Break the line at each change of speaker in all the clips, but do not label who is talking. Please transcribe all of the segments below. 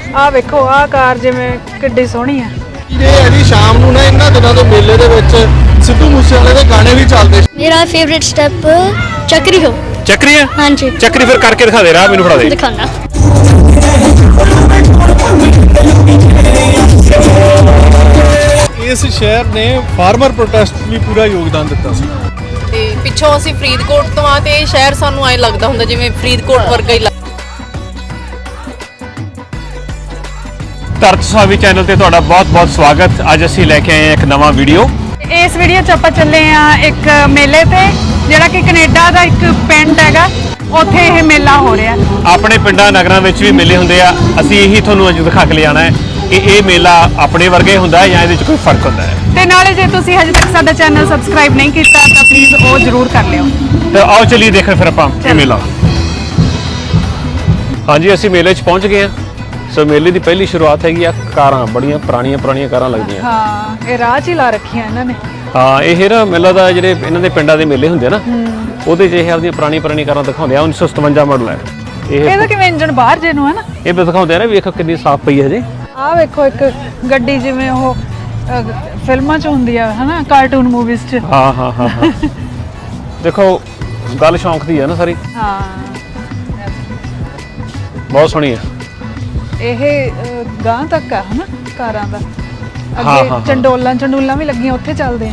ਆ ਵੇਖੋ ਆ ਕਾਰ ਜਿਵੇਂ ਕਿੱਡੀ ਸੋਹਣੀ ਆ।
ਇਹ ਹੈ ਜੀ ਸ਼ਾਮ ਨੂੰ ਨਾ ਇਹਨਾਂ ਦਿਨਾਂ ਦੇ ਮੇਲੇ ਦੇ ਵਿੱਚ ਸਿੱਧੂ ਮੂਸੇਵਾਲੇ ਦੇ ਗਾਣੇ ਵੀ ਚੱਲਦੇ।
मेरा फेवरेट स्टेप चक्री हो।
ਚੱਕਰੀ ਆ?
हाँ जी
ਚੱਕਰੀ ਫਿਰ ਕਰਕੇ ਦਿਖਾ ਦੇ, ਰਾਹ ਮੈਨੂੰ ਫੜਾ ਦੇ।
दिखाना।
ਇਸ ਸ਼ਹਿਰ ਨੇ ਫਾਰਮਰ ਪ੍ਰੋਟੈਸਟ ਲਈ ਪੂਰਾ ਯੋਗਦਾਨ ਦਿੱਤਾ ਸੀ।
ਤੇ ਪਿੱਛੋਂ ਅਸੀਂ ਫਰੀਦਕੋਟ ਤੋਂ ਆ ਤੇ ਇਹ ਸ਼ਹਿਰ ਸਾਨੂੰ ਐ ਲੱਗਦਾ ਹੁੰਦਾ ਜਿਵੇਂ ਫਰੀਦਕੋਟ ਵਰਗਾ ਹੀ।
ਧਰਤ ਸੁਹਾਵੀ ਚੈਨਲ ਤੇ ਤੁਹਾਡਾ ਬਹੁਤ-ਬਹੁਤ ਸਵਾਗਤ। ਅੱਜ ਅਸੀਂ ਲੈ ਕੇ ਆਏ ਹਾਂ ਇੱਕ ਨਵਾਂ ਵੀਡੀਓ।
ਇਸ ਵੀਡੀਓ 'ਚ ਆਪਾਂ ਚੱਲੇ ਆ ਇੱਕ ਮੇਲੇ ਤੇ, ਜਿਹੜਾ ਕਿ ਕੈਨੇਡਾ ਦਾ ਇੱਕ ਪਿੰਡ ਹੈਗਾ, ਉੱਥੇ ਇਹ ਮੇਲਾ ਹੋ ਰਿਹਾ।
ਆਪਣੇ ਪਿੰਡਾਂ ਨਗਰਾਂ ਵਿੱਚ ਵੀ ਮੇਲੇ ਹੁੰਦੇ ਆ, ਅਸੀਂ ਇਹੀ ਤੁਹਾਨੂੰ ਅੱਜ ਦਿਖਾ ਕੇ ਲਿਆਣਾ ਹੈ ਕਿ ਇਹ ਮੇਲਾ ਆਪਣੇ ਵਰਗਾ ਹੀ ਹੁੰਦਾ ਹੈ ਜਾਂ ਇਹਦੇ 'ਚ ਕੋਈ ਫਰਕ ਹੁੰਦਾ ਹੈ।
ਤੇ ਨਾਲੇ ਜੇ ਤੁਸੀਂ ਹਜੇ ਤੱਕ ਸਾਡਾ ਚੈਨਲ ਸਬਸਕ੍ਰਾਈਬ ਨਹੀਂ ਕੀਤਾ ਤਾਂ ਪਲੀਜ਼ ਉਹ ਜ਼ਰੂਰ ਕਰ ਲਿਓ।
ਤੇ ਆਓ ਚਲੀਏ ਦੇਖਣ ਫਿਰ ਆਪਾਂ ਇਹ ਮੇਲਾ। ਹਾਂਜੀ, ਅਸੀਂ ਮੇਲੇ 'ਚ ਪਹੁੰਚ ਗਏ ਹਾਂ। ਸੋ ਮੇਲੇ ਦੀ ਪਹਿਲੀ ਸ਼ੁਰੂਆਤ ਹੈਗੀ ਆ ਕਾਰਾਂ, ਬੜੀਆਂ ਪੁਰਾਣੀਆਂ ਕਾਰਾਂ ਲੱਗਦੀਆਂ।
ਹਾਂ, ਇਹ ਰਾਹ 'ਚ ਹੀ ਲਾ ਰੱਖੀਆਂ ਇਹਨਾਂ ਨੇ।
ਹਾਂ, ਇਹ ਨਾ ਮੇਲਾ ਦਾ ਜਿਹੜੇ ਇਹਨਾਂ ਦੇ ਪਿੰਡਾਂ ਦੇ ਮੇਲੇ ਹੁੰਦੇ ਆ ਨਾ, ਉਹਦੇ 'ਚ ਇਹ ਆਪਦੀਆਂ ਪੁਰਾਣੀਆਂ ਕਾਰਾਂ ਦਿਖਾਉਂਦੇ ਆ। 1957 ਮਾਡਲ ਹੈ ਇਹ।
ਇਹਦਾ ਕਿਵੇਂ ਇੰਜਨ ਬਾਹਰ ਜੇ ਨੂੰ ਹੈ ਨਾ,
ਇਹ ਵੀ ਦਿਖਾਉਂਦੇ ਆ ਨਾ, ਵੇਖੋ ਕਿੰਨੀ ਸਾਫ਼ ਪਈ ਹੈ ਜੀ।
ਆਹ ਵੇਖੋ ਇੱਕ ਗੱਡੀ ਜਿਵੇਂ ਉਹ ਫਿਲਮਾਂ 'ਚ ਹੁੰਦੀ ਆ ਹਨਾ, ਕਾਰਟੂਨ ਮੂਵੀਜ਼ 'ਚ।
ਹਾਂ ਦੇਖੋ ਗੱਲ ਸ਼ੌਂਕ ਦੀ ਹੈ ਨਾ ਸਾਰੀ।
ਹਾਂ,
ਬਹੁਤ ਸੋਹਣੀ ਹੈ
ਇਹ ਗਾਂ ਤੱਕ ਆ ਹਨਾ ਕਾਰਾਂ ਦਾ।
ਹਾਂ।
ਅੱਗੇ ਚੰਡੋਲਾਂ ਵੀ ਲੱਗੀਆਂ, ਉੱਥੇ ਚੱਲਦੇ ਆ।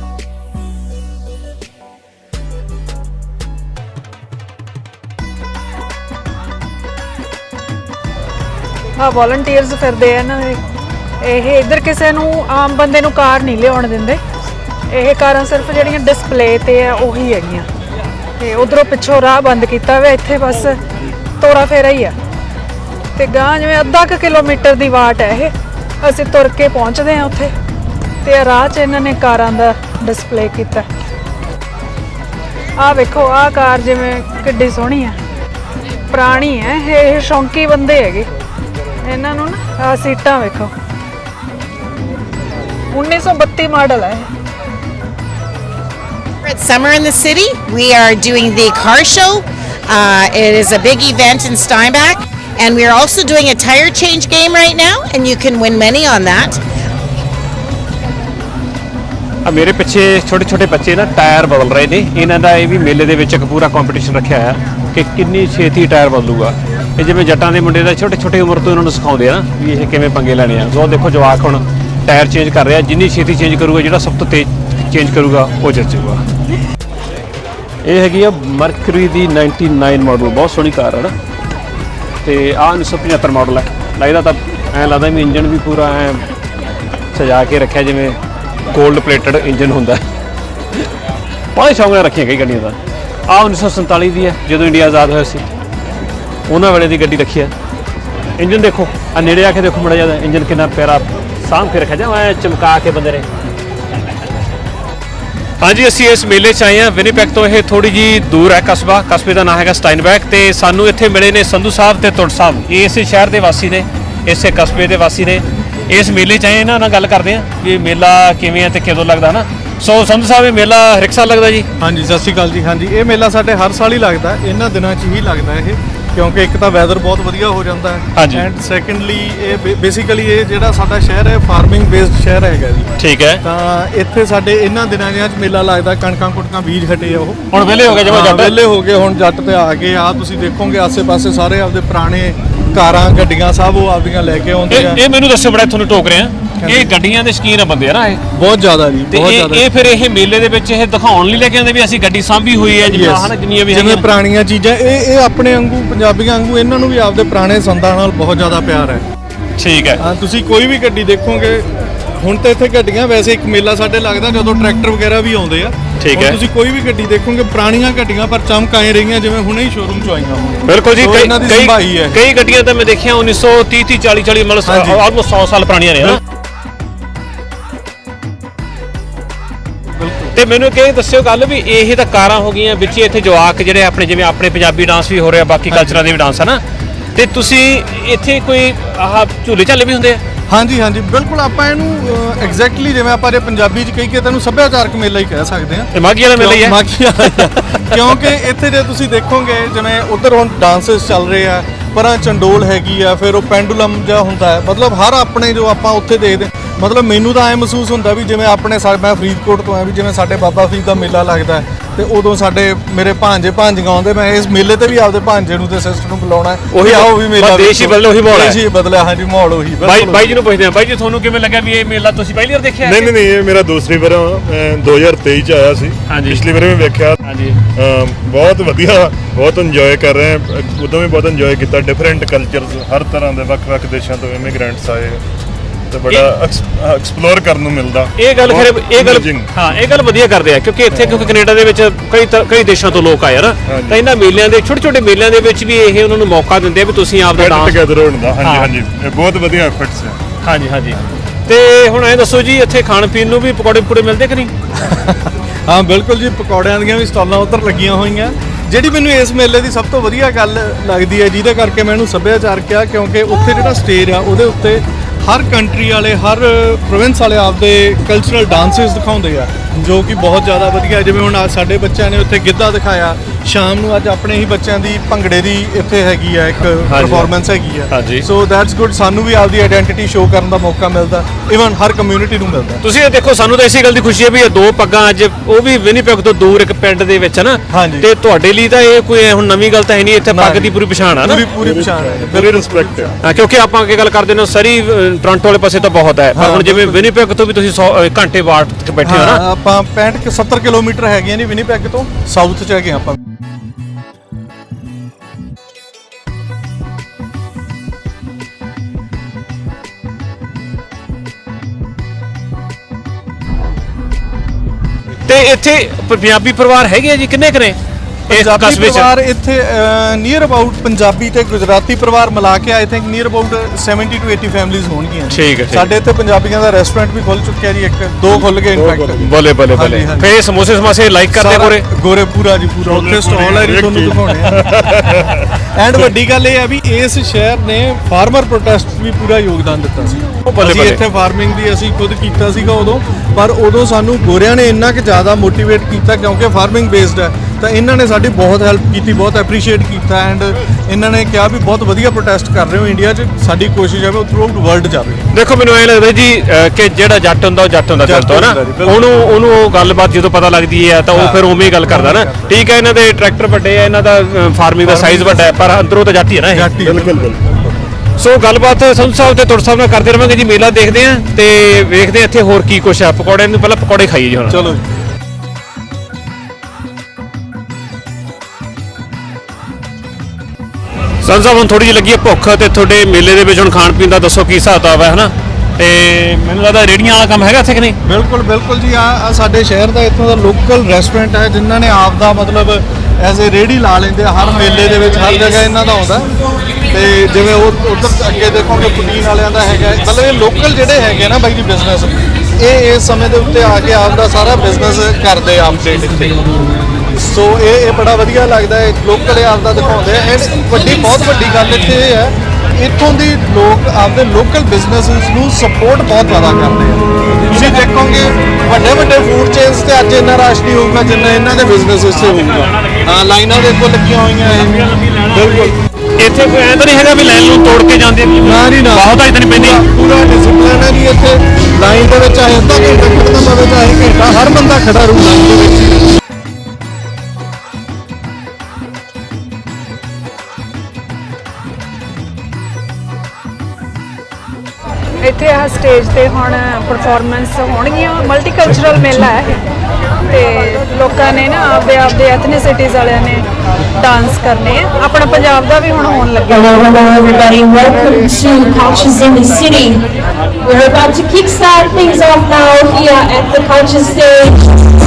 ਆ ਵੋਲੰਟੀਅਰਸ ਫਿਰਦੇ ਆ ਇਹਨਾਂ ਦੇ। ਇਹ ਇੱਧਰ ਕਿਸੇ ਨੂੰ, ਆਮ ਬੰਦੇ ਨੂੰ ਕਾਰ ਨਹੀਂ ਲਿਆਉਣ ਦਿੰਦੇ। ਇਹ ਕਾਰਾਂ ਸਿਰਫ ਜਿਹੜੀਆਂ ਡਿਸਪਲੇ ਤੇ ਆ ਉਹੀ ਹੈਗੀਆਂ। ਤੇ ਉਧਰੋਂ ਪਿੱਛੋਂ ਰਾਹ ਬੰਦ ਕੀਤਾ ਹੋਇਆ, ਇੱਥੇ ਬਸ ਤੋਰਾ ਫੇਰਾ ਹੀ ਆ। ਤੇ ਗਾਂ ਜਿਵੇਂ ਅੱਧਾ ਕੁ ਕਿਲੋਮੀਟਰ ਦੀ ਵਾਟ ਹੈ ਇਹ, ਅਸੀਂ ਤੁਰ ਕੇ ਪਹੁੰਚਦੇ ਹਾਂ ਉੱਥੇ। ਤੇ ਰਾਹ 'ਚ ਇਹਨਾਂ ਨੇ ਕਾਰਾਂ ਦਾ ਡਿਸਪਲੇ ਕੀਤਾ। ਆਹ ਵੇਖੋ ਆਹ ਕਾਰ ਜਿਵੇਂ ਕਿੱਡੀ ਸੋਹਣੀ ਆ, ਪੁਰਾਣੀ ਹੈ। ਇਹ ਸ਼ੌਂਕੀ ਬੰਦੇ ਹੈਗੇ, ਇਹਨਾਂ ਨੂੰ ਨਾ ਆਹ ਸੀਟਾਂ ਵੇਖੋ, 1932 ਮਾਡਲ ਹੈ।
It's summer in the city. We are doing the car show. It is a big event in Steinbach, and we are also doing a tire change game right now, and you can win money on that.
ਆ ਮੇਰੇ ਪਿੱਛੇ ਛੋਟੇ ਬੱਚੇ ਨਾ tyre ਬਦਲ ਰਹੇ ਨੇ। ਇਹਨਾਂ ਦਾ ਇਹ ਵੀ ਮੇਲੇ ਦੇ ਵਿੱਚ ਇੱਕ ਪੂਰਾ ਕੰਪੀਟੀਸ਼ਨ ਰੱਖਿਆ ਹੋਇਆ ਕਿ ਕਿੰਨੀ ਛੇਤੀ ਟਾਇਰ ਬਦਲੂਗਾ। ਇਹ ਜਿਵੇਂ ਜੱਟਾਂ ਦੇ ਮੁੰਡੇ ਦਾ ਛੋਟੇ ਉਮਰ ਤੋਂ ਇਹਨਾਂ ਨੂੰ ਸਿਖਾਉਂਦੇ ਆ ਨਾ ਵੀ ਇਹ ਕਿਵੇਂ ਪੰਗੇ ਲੈਣੇ ਆ। ਸੋ ਦੇਖੋ ਜਵਾਕ ਹੁਣ ਟਾਇਰ ਚੇਂਜ ਕਰ ਰਿਹਾ, ਜਿੰਨੀ ਛੇਤੀ ਚੇਂਜ ਕਰੂਗਾ, ਜਿਹੜਾ ਸਭ ਤੋਂ ਤੇਜ਼ ਚੇਂਜ ਕਰੂਗਾ ਉਹ ਜਿੱਤ ਜਾਊਗਾ। ਇਹ ਹੈਗੀ ਆ ਮਰਕਰੀ ਦੀ 99 ਮਾਡਲ, ਬਹੁਤ ਸੋਹਣੀ ਕਾਰ ਹੈ ਨਾ। ਤੇ ਆਹ 1975 ਮਾਡਲ ਹੈ। ਲੱਗਦਾ ਤਾਂ ਐਂ ਲੱਗਦਾ ਵੀ ਇੰਜਨ ਵੀ ਪੂਰਾ ਐਂ ਸਜਾ ਕੇ ਰੱਖਿਆ ਜਿਵੇਂ ਗੋਲਡ ਪਲੇਟਡ ਇੰਜਨ ਹੁੰਦਾ। ਬੜੇ ਸ਼ੌਂਕ ਨਾਲ ਰੱਖੀਆਂ ਕਈ ਗੱਡੀਆਂ ਦਾ। ਆਹ 1947 ਦੀ ਹੈ, ਜਦੋਂ ਇੰਡੀਆ ਆਜ਼ਾਦ ਹੋਇਆ ਸੀ ਉਹਨਾਂ ਵੇਲੇ ਦੀ ਗੱਡੀ ਰੱਖੀ ਹੈ। ਇੰਜਨ ਦੇਖੋ, ਆ ਨੇੜੇ ਆ ਕੇ ਦੇਖੋ ਬੜਾ ਜ਼ਿਆਦਾ ਇੰਜਨ ਕਿੰਨਾ ਪਿਆਰਾ ਸਾਂਭ ਕੇ ਰੱਖਿਆ, ਜਾਂ ਐਂ ਚਮਕਾ ਕੇ ਬੰਦੇ ਨੇ। ਹਾਂਜੀ, ਅਸੀਂ ਇਸ ਮੇਲੇ 'ਚ ਆਏ ਹਾਂ ਵਿਨੀਪੈਗ ਤੋਂ। ਇਹ ਥੋੜੀ ਜੀ ਦੂਰ ਹੈ ਕਸਬੇ ਦਾ ਨਾਮ ਹੈਗਾ ਸਟਾਈਨਬੈਕ। ਤੇ ਸਾਨੂੰ ਇੱਥੇ ਮਿਲੇ ਨੇ ਸੰਧੂ ਸਾਹਿਬ ਤੇ ਤੁਰ ਸਾਹਿਬ, ਇਹ ਇਸੇ ਸ਼ਹਿਰ ਦੇ ਵਾਸੀ ਨੇ, ਇਸੇ ਕਸਬੇ ਦੇ ਵਾਸੀ ਨੇ। ਇਸ ਮੇਲੇ 'ਚ ਆਏ ਇਹਨਾਂ ਨਾਲ ਗੱਲ ਕਰਦੇ ਹਾਂ ਵੀ ਮੇਲਾ ਕਿਵੇਂ ਹੈ ਤੇ ਕਦੋਂ ਲੱਗਦਾ ਨਾ। ਸੋ ਸੰਧੂ ਸਾਹਿਬ, ਇਹ ਮੇਲਾ ਹਰ ਇੱਕ ਸਾਲ ਲੱਗਦਾ ਜੀ?
ਹਾਂਜੀ, ਸਤਿ ਸ਼੍ਰੀ ਅਕਾਲ ਜੀ। ਹਾਂਜੀ, ਇਹ ਮੇਲਾ ਸਾਡੇ ਹਰ ਸਾਲ ਹੀ ਲੱਗਦਾ, ਇਹਨਾਂ ਦਿਨਾਂ 'ਚ ਹੀ ਲੱਗਦਾ ਇਹ, ਕਿਉਂਕਿ ਇੱਕ ਤਾਂ ਵੈਦਰ ਬਹੁਤ ਵਧੀਆ ਹੋ ਜਾਂਦਾ ਹੈ, ਐਂਡ ਸੈਕੰਡਲੀ ਇਹ ਬੇਸਿਕਲੀ ਇਹ ਜਿਹੜਾ ਸਾਡਾ ਸ਼ਹਿਰ ਹੈ ਫਾਰਮਿੰਗ ਬੇਸਡ ਸ਼ਹਿਰ ਹੈਗਾ ਜੀ।
ਠੀਕ ਹੈ।
ਤਾਂ ਇੱਥੇ ਸਾਡੇ ਇਹਨਾਂ ਦਿਨਾਂ 'ਚ ਮੇਲਾ ਲੱਗਦਾ। ਕਣਕਾਂ ਬੀਜ ਹਟੇ ਆ, ਉਹ
ਹੁਣ ਵਿਹਲੇ ਹੋ ਗਏ, ਜਿਵੇਂ ਜੱਟ
ਵਿਹਲੇ ਹੋ ਗਏ। ਹੁਣ ਜੱਟ ਤੇ ਆ ਗਏ ਆ। ਤੁਸੀਂ ਦੇਖੋਗੇ ਆਸੇ-ਪਾਸੇ ਸਾਰੇ ਆਪਦੇ ਪੁਰਾਣੇ ਕਾਰਾਂ ਗੱਡੀਆਂ ਸਭ ਉਹ ਆਪਦੀਆਂ ਲੈ ਕੇ ਆਉਂਦੇ ਆ।
ਇਹ ਮੈਨੂੰ ਦੱਸੋ, ਬੜਾ ਤੁਹਾਨੂੰ ਟੋਕ ਰਿਹਾ, ਇਹ ਗੱਡੀਆਂ ਦੇ ਸ਼ੌਕੀਨ ਬੰਦੇ ਆ ਨਾ ਇਹ
ਬਹੁਤ ਜ਼ਿਆਦਾ ਜੀ, ਬਹੁਤ ਜ਼ਿਆਦਾ।
ਇਹ ਫਿਰ ਇਹ ਮੇਲੇ ਦੇ ਵਿੱਚ ਇਹ ਦਿਖਾਉਣ ਲਈ ਲੈ ਕੇ ਆਉਂਦੇ ਵੀ ਅਸੀਂ ਗੱਡੀ ਸਾਂਭੀ ਹੋਈ ਹੈ ਜਿਵੇਂ ਹਨਾ, ਜਿੰਨੀਆਂ ਵੀ
ਜਿਵੇਂ ਪੁਰਾਣੀਆਂ ਚੀਜ਼ਾਂ। ਇਹ ਆਪਣੇ ਵਾਂਗੂ, ਪੰਜਾਬੀਆਂ ਵਾਂਗੂ ਇਹਨਾਂ ਨੂੰ ਵੀ ਆਪਦੇ ਪੁਰਾਣੇ ਸੰਦਾਂ ਨਾਲ ਬਹੁਤ ਜ਼ਿਆਦਾ ਪਿਆਰ ਹੈ।
ਠੀਕ ਹੈ।
ਹਾਂ, ਤੁਸੀਂ ਕੋਈ ਵੀ ਗੱਡੀ ਦੇਖੋਗੇ। ਹੁਣ ਤਾਂ ਇੱਥੇ ਗੱਡੀਆਂ, ਵੈਸੇ ਇੱਕ ਮੇਲਾ ਸਾਡੇ ਲੱਗਦਾ ਜਦੋਂ ਟਰੈਕਟਰ ਵਗੈਰਾ ਵੀ ਆਉਂਦੇ ਆ।
ਠੀਕ ਹੈ।
ਤੁਸੀਂ ਕੋਈ ਵੀ ਗੱਡੀ ਦੇਖੋਗੇ, ਪੁਰਾਣੀਆਂ ਗੱਡੀਆਂ ਪਰ ਚਮਕ ਆਏ ਰਹੀਆਂ ਜਿਵੇਂ ਹੁਣੇ ਹੀ ਸ਼ੋਰੂਮ 'ਚ ਆਈਆਂ ਹੋਣ।
ਬਿਲਕੁਲ ਜੀ। ਕਈ ਗੱਡੀਆਂ ਤਾਂ ਮੈਂ ਦੇਖੀਆਂ 1930 40 ਮਤਲਬ ਆਲਮੋਸਟ 100 ਸਾਲ ਪੁਰਾਣੀਆਂ ਨੇ। ਤੇ ਮੈਨੂੰ ਇਹ ਦੱਸਿਓ ਗੱਲ ਵੀ ਇਹ ਤਾਂ ਕਾਰਾਂ ਹੋ ਗਈਆਂ, ਵਿੱਚ ਇੱਥੇ ਜਵਾਕ ਜਿਹੜੇ ਆਪਣੇ, ਜਿਵੇਂ ਆਪਣੇ ਪੰਜਾਬੀ ਡਾਂਸ ਵੀ ਹੋ ਰਿਹਾ, ਬਾਕੀ ਕਲਚਰਾਂ ਦੇ ਵੀ ਡਾਂਸ ਹੈ ਨਾ। ਤੇ ਤੁਸੀਂ ਇੱਥੇ ਕੋਈ ਆਹ ਝੂਲੇ ਝਾਲੇ ਵੀ ਹੁੰਦੇ ਆ?
ਹਾਂਜੀ, ਬਿਲਕੁਲ। ਆਪਾਂ ਇਹਨੂੰ ਐਗਜ਼ੈਕਟਲੀ ਜਿਵੇਂ ਆਪਾਂ ਪੰਜਾਬੀ 'ਚ ਕਹੀਏ ਤਾਂ ਇਹਨੂੰ ਸੱਭਿਆਚਾਰਕ ਮੇਲਾ ਹੀ ਕਹਿ ਸਕਦੇ ਹਾਂ।
ਇਹ ਮਾਘੀ ਵਾਲਾ ਮੇਲਾ ਹੀ ਹੈ।
ਮਾਘੀ ਵਾਲਾ, ਕਿਉਂਕਿ ਇੱਥੇ ਜੇ ਤੁਸੀਂ ਦੇਖੋਗੇ ਜਿਵੇਂ ਉਧਰ ਹੁਣ ਡਾਂਸਸ ਚੱਲ ਰਹੇ ਆ, ਪਰਾਂ ਚੰਡੋਲ ਹੈਗੀ ਆ, ਫਿਰ ਉਹ ਪੈਂਡੂਲਮ ਜਿਹਾ ਹੁੰਦਾ ਹੈ, ਮਤਲਬ ਹਰ ਆਪਣੇ ਜੋ ਆਪਾਂ ਉੱਥੇ ਦੇਖਦੇ, ਮਤਲਬ ਮੈਨੂੰ ਤਾਂ ਐਂ ਮਹਿਸੂਸ ਹੁੰਦਾ ਵੀ ਜਿਵੇਂ ਆਪਣੇ ਮੈਂ ਫਰੀਦਕੋਟ ਤੋਂ ਆ, ਵੀ ਜਿਵੇਂ ਸਾਡੇ ਬਾਬਾ ਫਰੀਦ ਦਾ ਮੇਲਾ ਲੱਗਦਾ ਹੈ ਤੇ ਉਦੋਂ ਸਾਡੇ ਮੇਰੇ ਭਾਂਜੀਆਂ ਆਉਂਦੇ, ਮੈਂ ਇਸ ਮੇਲੇ ਤੇ ਵੀ ਆਪਦੇ ਭਾਂਜੇ ਨੂੰ ਤੇ ਸਿਸਟਰ ਨੂੰ ਬੁਲਾਉਣਾ,
ਉਹੀ
ਆਓ ਵੀ ਮੇਲਾ
ਦੇਸ਼ ਹੀ ਬਦਲੇ, ਉਹੀ ਮਾਹੌਲ ਹੈ।
ਦੇਸ਼ ਹੀ ਬਦਲਿਆ, ਹਾਂਜੀ ਮਾਹੌਲ ਉਹੀ।
ਬਾਈ ਜੀ ਨੂੰ ਪੁੱਛਦੇ ਆ, ਬਾਈ ਜੀ ਤੁਹਾਨੂੰ ਕਿਵੇਂ ਲੱਗਾ ਵੀ ਇਹ ਮੇਲਾ ਤੁਸੀਂ ਪਹਿਲੀ ਵਾਰ ਦੇਖਿਆ?
ਨਹੀਂ ਇਹ ਮੇਰਾ ਦੂਸਰੀ ਵਾਰ 2023 ਚ ਆਇਆ ਸੀ।
ਹਾਂਜੀ।
ਪਿਛਲੀ ਵਾਰ ਵੀ ਵੇਖਿਆ।
ਹਾਂਜੀ।
ਬਹੁਤ ਵਧੀਆ, ਬਹੁਤ ਇੰਜੋਏ ਕਰ ਰਹੇ ਹਾਂ। ਉਦੋਂ ਵੀ ਬਹੁਤ ਇੰਜੋਏ ਕੀਤਾ। ਡਿਫਰੈਂਟ ਕਲਚਰਸ, ਹਰ ਤਰ੍ਹਾਂ ਦੇ ਵੱਖ-ਵੱਖ ਦੇਸ਼ਾਂ ਤੋਂ ਇਮੀਗ੍ਰੈਂਟਸ ਆਏ ਤੇ ਬੜਾ ਐਕਸਪਲੋਰ ਕਰਨ ਨੂੰ ਮਿਲਦਾ।
ਇਹ ਗੱਲ ਫਿਰ
Amazing।
ਇਹ ਗੱਲ ਵਧੀਆ ਕਰਦੇ ਆ ਕਿਉਂਕਿ ਇੱਥੇ ਕੈਨੇਡਾ ਦੇ ਵਿੱਚ ਕਈ ਦੇਸ਼ਾਂ ਤੋਂ ਲੋਕ ਆਏ ਨਾ, ਤਾਂ ਇਹਨਾਂ ਮੇਲਿਆਂ ਦੇ ਛੋਟੇ ਮੇਲਿਆਂ ਦੇ ਵਿੱਚ ਵੀ ਇਹ ਉਹਨਾਂ ਨੂੰ ਮੌਕਾ ਦਿੰਦੇ ਆ ਵੀ ਤੁਸੀਂ ਆਪ ਦਾ ਡਾਂਸ
ਟੁਗੇਦਰ ਹੋਣ ਦਾ। ਹਾਂਜੀ ਇਹ ਬਹੁਤ ਵਧੀਆ ਐਫਰਟਸ ਹੈ।
ਹਾਂਜੀ। ਤੇ ਹੁਣ ਇਹ ਦੱਸੋ ਜੀ, ਇੱਥੇ ਖਾਣ ਪੀਣ ਨੂੰ ਵੀ ਪਕੌੜੇ ਮਿਲਦੇ ਕਿ ਨਹੀਂ?
ਹਾਂ ਬਿਲਕੁਲ ਜੀ, ਪਕੌੜਿਆਂ ਦੀਆਂ ਵੀ ਸਟਾਲਾਂ ਉੱਧਰ ਲੱਗੀਆਂ ਹੋਈਆਂ। ਜਿਹੜੀ ਮੈਨੂੰ ਇਸ ਮੇਲੇ ਦੀ ਸਭ ਤੋਂ ਵਧੀਆ ਗੱਲ ਲੱਗਦੀ ਹੈ, ਜਿਹਦੇ ਕਰਕੇ ਮੈਂ ਇਹਨੂੰ ਸੱਭਿਆਚਾਰ ਕਿਹਾ, ਕਿਉਂਕਿ ਉੱਥੇ ਜਿਹੜਾ ਸਟੇਜ ਆ ਉਹਦੇ ਉੱਤੇ ਹਰ ਕੰਟਰੀ ਵਾਲੇ, ਹਰ ਪ੍ਰੋਵਿੰਸ ਵਾਲੇ ਆਪਦੇ ਕਲਚਰਲ ਡਾਂਸਿਸ ਦਿਖਾਉਂਦੇ ਆ, ਜੋ ਕਿ ਬਹੁਤ ਜ਼ਿਆਦਾ ਵਧੀਆ। ਜਿਵੇਂ ਹੁਣ ਅੱਜ ਸਾਡੇ ਬੱਚਿਆਂ ਨੇ ਉੱਥੇ ਗਿੱਧਾ ਦਿਖਾਇਆ, ਸ਼ਾਮ ਨੂੰ ਅੱਜ ਆਪਣੇ ਹੀ ਬੱਚਿਆਂ ਦੀ ਭੰਗੜੇ ਦੀ ਇੱਥੇ ਹੈਗੀ ਆ ਇੱਕ ਪਰਫਾਰਮੈਂਸ ਹੈਗੀ ਆ। ਸੋ ਦੈਟਸ ਗੁੱਡ, ਸਾਨੂੰ ਵੀ ਆਪਦੀ ਆਇਡੈਂਟੀਟੀ ਸ਼ੋਅ ਕਰਨ ਦਾ ਮੌਕਾ ਮਿਲਦਾ, ਇਵਨ ਹਰ ਕਮਿਊਨਿਟੀ ਨੂੰ ਮਿਲਦਾ।
ਤੁਸੀਂ ਇਹ ਦੇਖੋ, ਸਾਨੂੰ ਤਾਂ ਇਸੇ ਗੱਲ ਦੀ ਖੁਸ਼ੀ ਹੈ ਵੀ ਇਹ ਦੋ ਪੱਗਾਂ ਅੱਜ, ਉਹ ਵੀ ਵਿਨੀਪੈਗ ਤੋਂ ਦੂਰ ਇੱਕ ਪਿੰਡ ਦੇ ਵਿੱਚ ਹੈ ਨਾ, ਤੇ ਤੁਹਾਡੇ ਲਈ ਤਾਂ ਇਹ ਕੋਈ ਹੁਣ ਨਵੀਂ ਗੱਲ ਤਾਂ ਹੈ ਨਹੀਂ, ਇੱਥੇ ਪੱਗ ਦੀ ਪੂਰੀ ਪਛਾਣ ਆ ਨਾ,
ਪੂਰੀ ਪਛਾਣ ਹੈ,
ਪੂਰੀ ਰਿਸਪੈਕਟ ਹੈ।
ਕਿਉਂਕਿ ਆਪਾਂ ਅੱਗੇ ਗੱਲ ਕਰਦੇ ਨੇ ਸਰੀ ਟੋਰਾਂਟੋ ਵਾਲੇ ਪਾਸੇ ਤਾਂ ਬਹੁਤ ਹੈ, ਪਰ ਹੁਣ ਜਿਵੇਂ ਵਿਨੀਪੈਗ ਤੋਂ ਵੀ ਤੁਸੀਂ 100 ਘੰਟੇ ਵਾਟ ਤੇ ਬੈਠੇ ਹੋ ਨਾ,
ਆਪਾਂ 65-70 ਕਿਲੋਮੀਟਰ ਹੈਗੇ ਨੇ ਵਿਨੀਪੈਗ ਤੋਂ, ਸਾਊਥ ਚ ਹੈਗੇ ਆਪਾਂ।
ਤੇ ਇੱਥੇ ਪੰਜਾਬੀ ਪਰਿਵਾਰ ਹੈਗੇ ਆ ਜੀ, ਕਿੰਨੇ ਕਰੇ ਇਸ
ਪੰਜਾਬੀ
ਕਸਬੇ
ਪਰਿਵਾਰ
ਚ?
ਇੱਥੇ ਨੀਅਰ ਅਬਾਊਟ ਪੰਜਾਬੀ ਤੇ ਗੁਜਰਾਤੀ ਪਰਿਵਾਰ ਮਿਲਾ ਕੇ I think near about 70 to 80 families ਹੋਣਗੀਆਂ।
ਠੀਕ ਹੈ।
ਸਾਡੇ ਇੱਥੇ ਪੰਜਾਬੀਆਂ ਦਾ ਰੈਸਟੋਰੈਂਟ ਵੀ ਖੁੱਲ ਚੁੱਕਿਆ ਜੀ, ਦੋ ਖੁੱਲ ਗਏ ਇਨਫੈਕਟ।
ਬੋਲੇ ਫੇ ਸਮੋਸੇ ਸਮਾਸੇ ਲਾਈਕ ਕਰਦੇ ਗੋਰੇ
ਪੂਰਾ ਜੀ ਪੂਰਾ, ਉੱਥੇ ਸਟਾਲ ਹੈ ਜੀ, ਤੁਹਾਨੂੰ ਦਿਖਾਉਣੇ ਆ। ਐਂਡ ਵੱਡੀ ਗੱਲ ਇਹ ਹੈ ਵੀ ਇਸ ਸ਼ਹਿਰ ਨੇ ਫਾਰਮਰ ਪ੍ਰੋਟੈਸਟ ਵੀ ਪੂਰਾ ਯੋਗਦਾਨ ਦਿੱਤਾ ਸੀ। ਅਸੀਂ ਇੱਥੇ ਫਾਰਮਿੰਗ ਦੀ ਅਸੀਂ ਖੁਦ ਕੀਤਾ ਸੀਗਾ ਉਦੋਂ, ਪਰ ਉਦੋਂ ਸਾਨੂੰ ਗੋਰਿਆਂ ਨੇ ਇੰਨਾ ਕਿ ਜ਼ਿਆਦਾ ਮੋਟੀਵੇਟ ਕੀਤਾ ਕਿਉਂਕਿ ਫਾਰਮਿੰਗ ਬੇਸਡ ਹੈ, ਤਾਂ ਇਹਨਾਂ ਨੇ ਸਾਡੀ ਬਹੁਤ ਹੈਲਪ ਕੀਤੀ, ਬਹੁਤ ਐਪਰੀਸ਼ੀਏਟ ਕੀਤਾ। ਐਂਡ ਇਹਨਾਂ ਨੇ ਕਿਹਾ ਵੀ ਬਹੁਤ ਵਧੀਆ ਪ੍ਰੋਟੈਸਟ ਕਰ ਰਹੇ ਹੋ ਇੰਡੀਆ 'ਚ, ਸਾਡੀ ਕੋਸ਼ਿਸ਼ ਹੈ ਵੀ ਉਹ ਥਰੂ ਆਊਟ ਵਰਲਡ ਜਾਵੇ।
ਦੇਖੋ ਮੈਨੂੰ ਐਂ ਲੱਗਦਾ ਜੀ ਕਿ ਜਿਹੜਾ ਜੱਟ ਹੁੰਦਾ ਉਹ ਜੱਟ ਹੁੰਦਾ ਦਿਲ ਤੋਂ ਨਾ, ਉਹਨੂੰ ਉਹ ਗੱਲਬਾਤ ਜਦੋਂ ਪਤਾ ਲੱਗਦੀ ਹੈ ਤਾਂ ਉਹ ਫਿਰ ਉਵੇਂ ਹੀ ਗੱਲ ਕਰਦਾ ਨਾ। ਠੀਕ ਹੈ, ਇਹਨਾਂ ਦੇ ਟਰੈਕਟਰ ਵੱਡੇ ਆ, ਇਹਨਾਂ ਦਾ ਫਾਰਮਿੰਗ ਦਾ ਸਾਈਜ਼ ਵੱਡਾ ਹੈ, ਪਰ ਅੰਦਰੋਂ ਤਾਂ ਜੱਟ ਹੀ ਹੈ ਨਾ ਇਹ।
ਬਿਲਕੁਲ।
ਸੋ ਗੱਲਬਾਤ ਸੰਧੂ ਸਾਹਿਬ ਤੇ ਤੁਰ ਸਾਹਿਬ ਨਾਲ ਕਰਦੇ ਰਹਾਂਗੇ ਜੀ, ਮੇਲਾ ਦੇਖਦੇ ਆ ਤੇ ਵੇਖਦੇ ਆ ਇੱਥੇ ਹੋਰ ਕੀ ਕੁਛ ਆ। ਪਕੌੜਿਆਂ ਨੂੰ ਪਹਿਲਾਂ ਪਕੌੜੇ ਖਾਈਏ ਜੀ ਹੁਣ।
ਚਲੋ
ਸੰਧੂ ਸਾਹਿਬ ਹੁਣ ਥੋੜੀ ਜਿਹੀ ਲੱਗੀ ਹੈ ਭੁੱਖ, ਤੇ ਤੁਹਾਡੇ ਮੇਲੇ ਦੇ ਵਿੱਚ ਹੁਣ ਖਾਣ ਪੀਣ ਦਾ ਦੱਸੋ ਕੀ ਹਿਸਾਬ ਕਿਤਾਬ ਹੈ ਹਨਾ? ਤੇ ਮੈਨੂੰ ਲੱਗਦਾ ਰੇੜੀਆਂ ਵਾਲਾ ਕੰਮ ਹੈਗਾ ਇੱਥੇ ਕਿ ਨਹੀਂ?
ਬਿਲਕੁਲ ਜੀ, ਆ ਸਾਡੇ ਸ਼ਹਿਰ ਦਾ ਇੱਥੋਂ ਦਾ ਲੋਕਲ ਰੈਸਟੋਰੈਂਟ ਹੈ, ਜਿਨ੍ਹਾਂ ਨੇ ਆਪ ਦਾ ਮਤਲਬ ਐਜ਼ ਏ ਰੇੜੀ ਲਾ ਲੈਂਦੇ ਆ, ਹਰ ਮੇਲੇ ਦੇ ਵਿੱਚ ਹਰ ਜਗ੍ਹਾ ਇਹਨਾਂ ਦਾ ਆਉਂਦਾ। ਤੇ ਜਿਵੇਂ ਉਹ ਉਧਰ ਅੱਗੇ ਦੇਖੋਗੇ ਪੁਦੀਨ ਵਾਲਿਆਂ ਦਾ ਹੈਗਾ, ਮਤਲਬ ਇਹ ਲੋਕਲ ਜਿਹੜੇ ਹੈਗੇ ਨਾ ਬਾਈ ਜੀ ਬਿਜ਼ਨਸ, ਇਹ ਇਸ ਸਮੇਂ ਦੇ ਉੱਤੇ ਆ ਕੇ ਆਪ ਦਾ ਸਾਰਾ ਬਿਜ਼ਨਸ ਕਰਦੇ ਆ ਅਪਡੇਟ ਇੱਥੇ। ਸੋ ਇਹ ਬੜਾ ਵਧੀਆ ਲੱਗਦਾ ਹੈ, ਲੋਕਲ ਆਪ ਦਾ ਦਿਖਾਉਂਦੇ ਆ। ਐਂਡ ਬਹੁਤ ਵੱਡੀ ਗੱਲ ਇੱਥੇ ਇਹ ਹੈ, ਇੱਥੋਂ ਦੀ ਲੋਕ ਆਪਦੇ ਲੋਕਲ ਬਿਜ਼ਨੈਸਿਸ ਨੂੰ ਸਪੋਰਟ ਬਹੁਤ ਜ਼ਿਆਦਾ ਕਰਦੇ ਆ। ਤੁਸੀਂ ਦੇਖੋਗੇ ਵੱਡੇ ਫੂਡ ਚੇਨਸ ਤੇ ਅੱਜ ਇੰਨਾ ਰਸ਼ ਨਹੀਂ ਹੋਊਗਾ ਜਿੰਨਾ ਇਹਨਾਂ ਦੇ ਬਿਜ਼ਨੈਸਿਸ 'ਤੇ ਹੋਊਗਾ। ਹਾਂ, ਲਾਈਨਾਂ ਦੇ ਕੋਲ ਲੱਗੀਆਂ ਹੋਈਆਂ ਇਹ। ਬਿਲਕੁਲ,
ਇੱਥੇ ਕੋਈ ਐਂ ਤਾਂ ਨਹੀਂ ਹੈਗਾ ਵੀ ਲਾਈਨ ਨੂੰ ਤੋੜ ਕੇ ਜਾਂਦੇ
ਨਾ ਜੀ ਨਾ,
ਬਹੁਤ ਤਾਂ ਨਹੀਂ ਪੈਂਦੀ।
ਪੂਰਾ ਡਿਸਪਲਿਨ ਹੈ ਜੀ ਇੱਥੇ। ਲਾਈਨ ਦੇ ਵਿੱਚ ਚਾਹੇ ਅੱਧਾ ਘੰਟਾ ਖੜਨਾ ਪਵੇ, ਚਾਹੇ ਘੰਟਾ, ਹਰ ਬੰਦਾ ਖੜਾ ਰਹੂ ਲਾਈਨ ਦੇ ਵਿੱਚ।
ਇੱਥੇ ਆਹ ਸਟੇਜ ਤੇ ਹੁਣ ਪਰਫਾਰਮੈਂਸ ਹੋਣਗੀਆਂ। ਮਲਟੀਕਲਚਰਲ ਮੇਲਾ ਹੈ ਤੇ ਲੋਕਾਂ ਨੇ ਨਾ ਆਪਦੇ ਐਥਨੀਸਿਟੀਜ਼ ਵਾਲਿਆਂ ਨੇ ਡਾਂਸ ਕਰਨੇ ਆ। ਆਪਣਾ ਪੰਜਾਬ ਦਾ ਵੀ ਹੁਣ ਹੋਣ ਲੱਗਿਆ।
Hello everybody, welcome to Cultures in the City. We're about to kickstart things off now here at the Culture Stage.